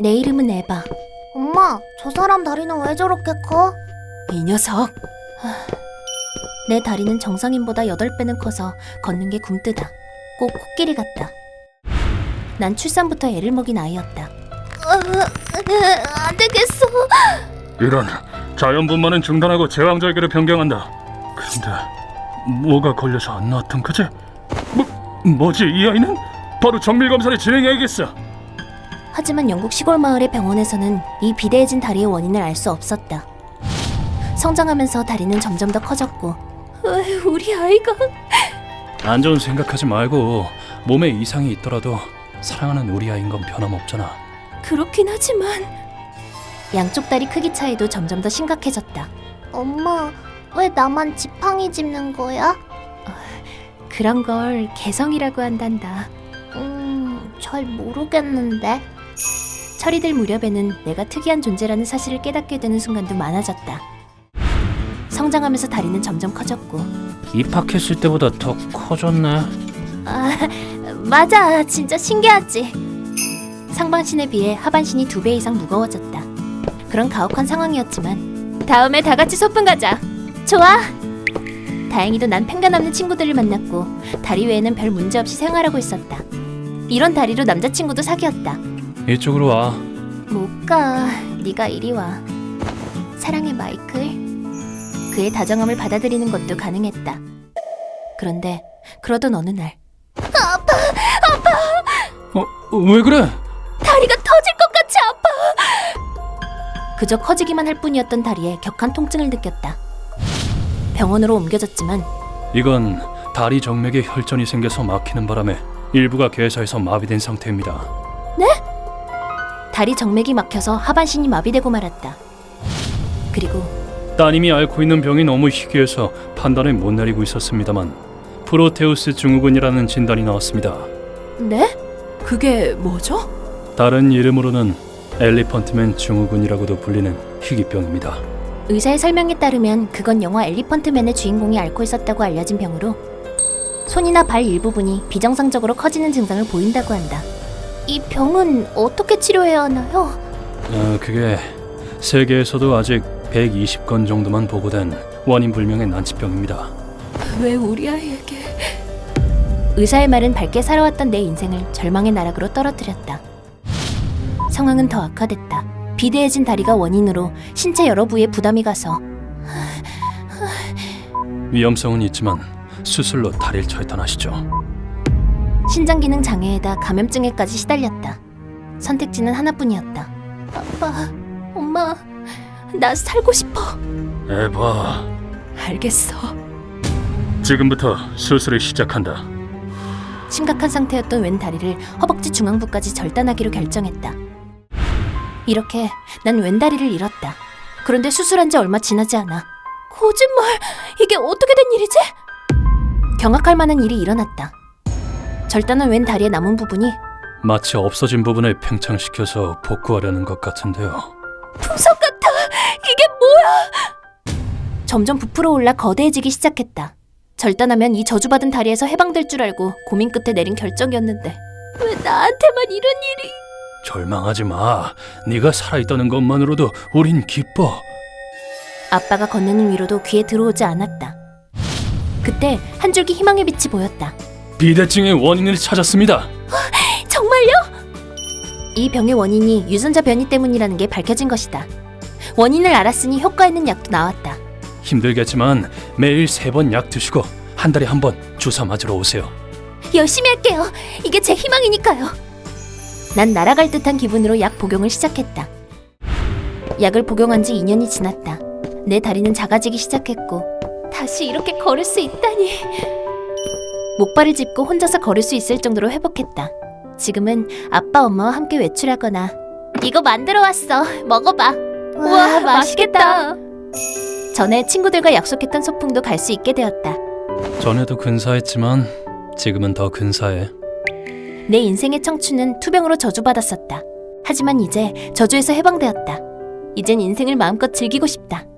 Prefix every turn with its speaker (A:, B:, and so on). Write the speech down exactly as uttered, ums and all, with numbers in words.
A: 내 이름은 에바.
B: 엄마, 저 사람 다리는 왜 저렇게 커?
A: 이 녀석. 하... 내 다리는 정상인보다 여덟 배는 커서 걷는 게 굼뜨다. 꼭 코끼리 같다. 난 출산부터 애를 먹인 아이였다.
B: 안 되겠어.
C: 이런, 자연분만은 중단하고 제왕절개로 변경한다. 근데 뭐가 걸려서 안 나왔던 거지? 뭐, 뭐지 이 아이는? 바로 정밀검사를 진행해야겠어.
A: 하지만 영국 시골 마을의 병원에서는 이 비대해진 다리의 원인을 알 수 없었다. 성장하면서 다리는 점점 더 커졌고, 으, 우리 아이가...
C: 안 좋은 생각하지 말고 몸에 이상이 있더라도 사랑하는 우리 아이인 건 변함없잖아.
A: 그렇긴 하지만... 양쪽 다리 크기 차이도 점점 더 심각해졌다.
B: 엄마, 왜 나만 지팡이 짚는 거야?
A: 그런 걸 개성이라고 한단다.
B: 음, 잘 모르겠는데.
A: 철이 들 무렵에는 내가 특이한 존재라는 사실을 깨닫게 되는 순간도 많아졌다. 성장하면서 다리는 점점 커졌고.
C: 입학했을 때보다 더 커졌네.
A: 아, 맞아. 진짜 신기하지. 상반신에 비해 하반신이 두 배 이상 무거워졌다. 그런 가혹한 상황이었지만 다음에 다 같이 소풍 가자. 좋아. 다행히도 난 편견 없는 친구들을 만났고 다리 외에는 별 문제 없이 생활하고 있었다. 이런 다리로 남자친구도 사귀었다.
C: 이쪽으로 와.
A: 못 가. 네가 이리 와. 사랑해, 마이클. 그의 다정함을 받아들이는 것도 가능했다. 그런데 그러던 어느 날
C: 어, 왜 그래?
A: 다리가 터질 것 같이 아파. 그저 커지기만 할 뿐이었던 다리에 격한 통증을 느꼈다. 병원으로 옮겨졌지만
C: 이건 다리 정맥에 혈전이 생겨서 막히는 바람에 일부가 괴사해서 마비된 상태입니다.
A: 네? 다리 정맥이 막혀서 하반신이 마비되고 말았다. 그리고
C: 따님이 앓고 있는 병이 너무 희귀해서 판단을 못 내리고 있었습니다만 프로테우스 증후군이라는 진단이 나왔습니다.
A: 네? 그게 뭐죠?
C: 다른 이름으로는 엘리펀트맨 증후군이라고도 불리는 희귀병입니다.
A: 의사의 설명에 따르면 그건 영화 엘리펀트맨의 주인공이 앓고 있었다고 알려진 병으로 손이나 발 일부분이 비정상적으로 커지는 증상을 보인다고 한다. 이 병은 어떻게 치료해야 하나요?
C: 어, 그게 세계에서도 아직 백이십 건 정도만 보고된 원인 불명의 난치병입니다.
A: 왜 우리 아이에게... 의사의 말은 밝게 살아왔던 내 인생을 절망의 나락으로 떨어뜨렸다. 상황은 더 악화됐다. 비대해진 다리가 원인으로 신체 여러 부위에 부담이 가서
C: 위험성은 있지만 수술로 다리를 절단하시죠.
A: 신장 기능 장애에다 감염증에까지 시달렸다. 선택지는 하나뿐이었다. 아빠, 엄마, 나 살고 싶어.
C: 에바,
A: 알겠어.
C: 지금부터 수술을 시작한다.
A: 심각한 상태였던 왼 다리를 허벅지 중앙부까지 절단하기로 결정했다. 이렇게 난 왼 다리를 잃었다. 그런데 수술한 지 얼마 지나지 않아. 거짓말! 이게 어떻게 된 일이지? 경악할 만한 일이 일어났다. 절단한 왼 다리의 남은 부분이
C: 마치 없어진 부분을 팽창시켜서 복구하려는 것 같은데요.
A: 풍선 같아! 이게 뭐야! 점점 부풀어 올라 거대해지기 시작했다. 절단하면 이 저주받은 다리에서 해방될 줄 알고 고민 끝에 내린 결정이었는데 왜 나한테만 이런 일이...
C: 절망하지 마. 네가 살아있다는 것만으로도 우린 기뻐.
A: 아빠가 건네는 위로도 귀에 들어오지 않았다. 그때 한 줄기 희망의 빛이 보였다.
C: 비대증의 원인을 찾았습니다.
A: 정말요? 이 병의 원인이 유전자 변이 때문이라는 게 밝혀진 것이다. 원인을 알았으니 효과 있는 약도 나왔다.
C: 힘들겠지만 매일 세 번 약 드시고 한 달에 한 번 주사 맞으러 오세요.
A: 열심히 할게요. 이게 제 희망이니까요. 난 날아갈 듯한 기분으로 약 복용을 시작했다. 약을 복용한 지 이 년이 지났다. 내 다리는 작아지기 시작했고 다시 이렇게 걸을 수 있다니. 목발을 짚고 혼자서 걸을 수 있을 정도로 회복했다. 지금은 아빠 엄마와 함께 외출하거나 이거 만들어 왔어. 먹어봐. 우와, 맛있겠다. 전에 친구들과 약속했던 소풍도 갈 수 있게 되었다.
C: 전에도 근사했지만 지금은 더 근사해.
A: 내 인생의 청춘은 투병으로 저주받았었다. 하지만 이제 저주에서 해방되었다. 이젠 인생을 마음껏 즐기고 싶다.